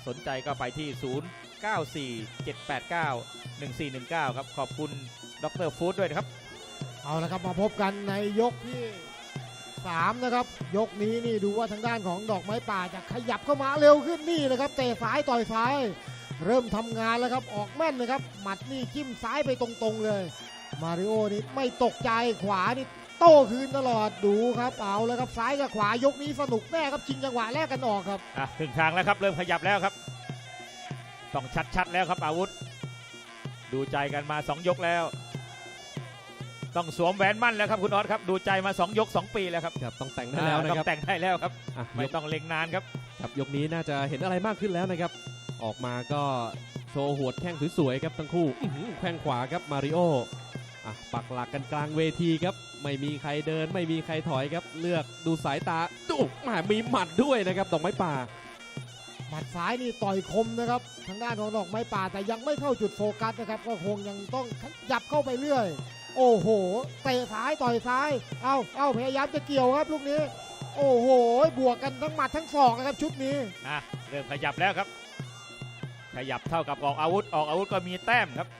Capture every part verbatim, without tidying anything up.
สนใจก็ไปที่ ศูนย์ เก้า สี่ เจ็ด แปด เก้า หนึ่ง สี่ หนึ่ง เก้า ครับขอบคุณดรฟู้ดด้วยนะครับเอาละครับมาพบกันในยกที่สามนะครับยกนี้นี่ดูว่าทางด้านของดอกไม้ป่าจะขยับเข้ามาเร็วขึ้นนี่นะครับเตะซ้ายต่อยซ้ายเริ่มทำงานแล้วครับออกแม่นนะครับหมัดนี่จิ้มซ้ายไปตรงๆเลยมาริโอนี่ไม่ตกใจขวานี่โต้คืนตลอดดูครับเอาแล้วครับซ้ายกับขวายกนี้สนุกแน่ครับชิงจังหวะแรกกันออกครับอ่ะถึงทางแล้วครับเริ่มขยับแล้วครับต้องชัดๆแล้วครับอาวุธดูใจกันมาสองยกแล้วต้องสวมแหวนมั่นแล้วครับคุณออสครับดูใจมาสองยกสองปีแล้วครับครับต้องแต่งได้แล้วนะครับต้องแต่งได้แล้วครับไม่ต้องเล็งนานครับครับยกนี้น่าจะเห็นอะไรมากขึ้นแล้วนะครับออกมาก็โชว์หัวแข้งสวยๆครับทั้งคู่แข้งขวาครับมาริโออ่ะปักหลักกันกลางเวทีครับไม่มีใครเดินไม่มีใครถอยครับเลือกดูสายตาดูมามีหมัดด้วยนะครับดอกไม้ป่าหมัดซ้ายนี่ต่อยคมนะครับทางด้านของดอกไม้ป่าแต่ยังไม่เข้าจุดโฟกัสนะครับก็คงยังต้องยับเข้าไปเรื่อยโอ้โหเตะซ้ายต่อยซ้ายเอาเอาพยายามจะเกี่ยวครับลูกนี้โอ้โหบวกกันทั้งหมัดทั้งศอกนะครับชุดนี้อ่ะเริ่มขยับแล้วครับขยับเท่ากับออกอาวุธออกอาวุธก็มีแต้มครับ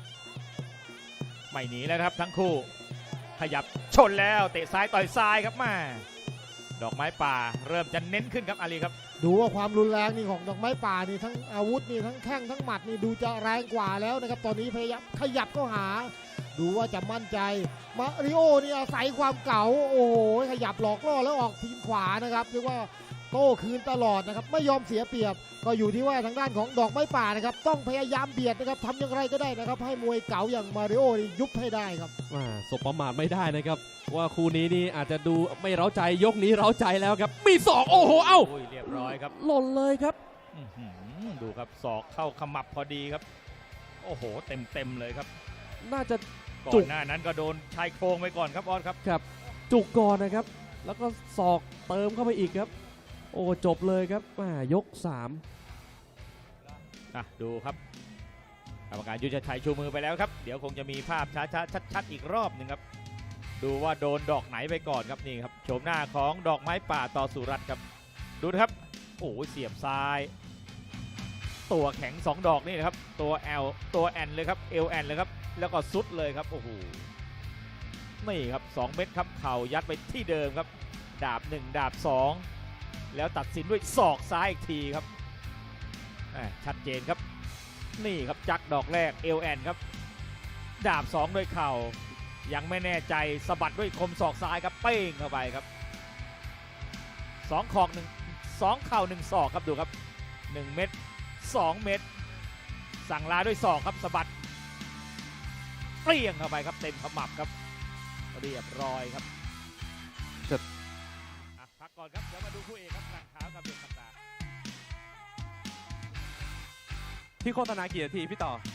ไม่หนีแล้วครับทั้งคู่ขยับชนแล้วเตะซ้ายต่อยซ้ายครับมาดอกไม้ป่าเริ่มจะเน้นขึ้นครับอาลีครับดูว่าความรุนแรงนี่ของดอกไม้ป่านี่ทั้งอาวุธนี่ทั้งแข้งทั้งหมัดนี่ดูจะแรงกว่าแล้วนะครับตอนนี้พยายามขยับเข้าหาดูว่าจะมั่นใจมาริโอนี่อาศัยความเก่าโอ้โหขยับหลอกล่อแล้วออกทีมขวานะครับเรียกว่าโต้คืนตลอดนะครับไม่ยอมเสียเปรียบก็อยู่ที่ว่าทางด้านของดอกไม้ป่านะครับต้องพยายามเบียดนะครับทำอย่างไรก็ได้นะครับให้มวยเก่าอย่างมาริโอนี่ยุบให้ได้ครับว่าสบประมาทไม่ได้นะครับว่าคู่นี้นี่อาจจะดูไม่เร้าใจยกนี้เร้าใจแล้วครับมีศอกโอ้โหเอ้าเรียบร้อยครับหล่นเลยครับดูครับศอกเข้าขมับพอดีครับโอ้โหเต็มเต็มเลยครับน่าจะก่อนหน้านั้นก็โดนชายโครงไปก่อนครับออสครับครับจุกก่อนนะครับแล้วก็ศอกเติมเข้าไปอีกครับโอ้จบเลยครับยกสามอ่ะดูครับกรรมการยุทธชัยชูมือไปแล้วครับเดี๋ยวคงจะมีภาพช้าๆชัดๆอีกรอบหนึ่งครับดูว่าโดนดอกไหนไปก่อนครับนี่ครับโฉมหน้าของดอกไม้ป่าต่อสุรัตน์ครับดูนะครับโอ้เสียบซ้ายตัวแข็งสองดอกนี่นะครับตัวแอลตัวแอนเลยครับเอลแอนเลยครับแล้วก็ซุดเลยครับโอ้โหนี่ครับสองเม็ดครับเข่ายัดไปที่เดิมครับดาบหนึ่งดาบสองแล้วตัดสินด้วยศอกซ้ายอีกทีครับชัดเจนครับนี่ครับจักดอกแรกเอลแอนครับดาบสองด้วยเข่ายังไม่แน่ใจสะบัดด้วยคมศอกซ้ายครับเป้งเข้าไปครับสองขอกหนึ่งสองเข่าหนึ่งศอกครับดูครับหนึ่งเม็ดสองเม็ดสั่งลาด้วยศอกครับสะบัดเปรี้ยงเข้าไปครับเต็มขมับครับเรียบร้อยครับจะพักก่อนครับเดี๋ยวมาดูคู่เอกครับหลังเท้ากับเบียร์ต่างที่โฆษณากี่นาทีพี่ต่อ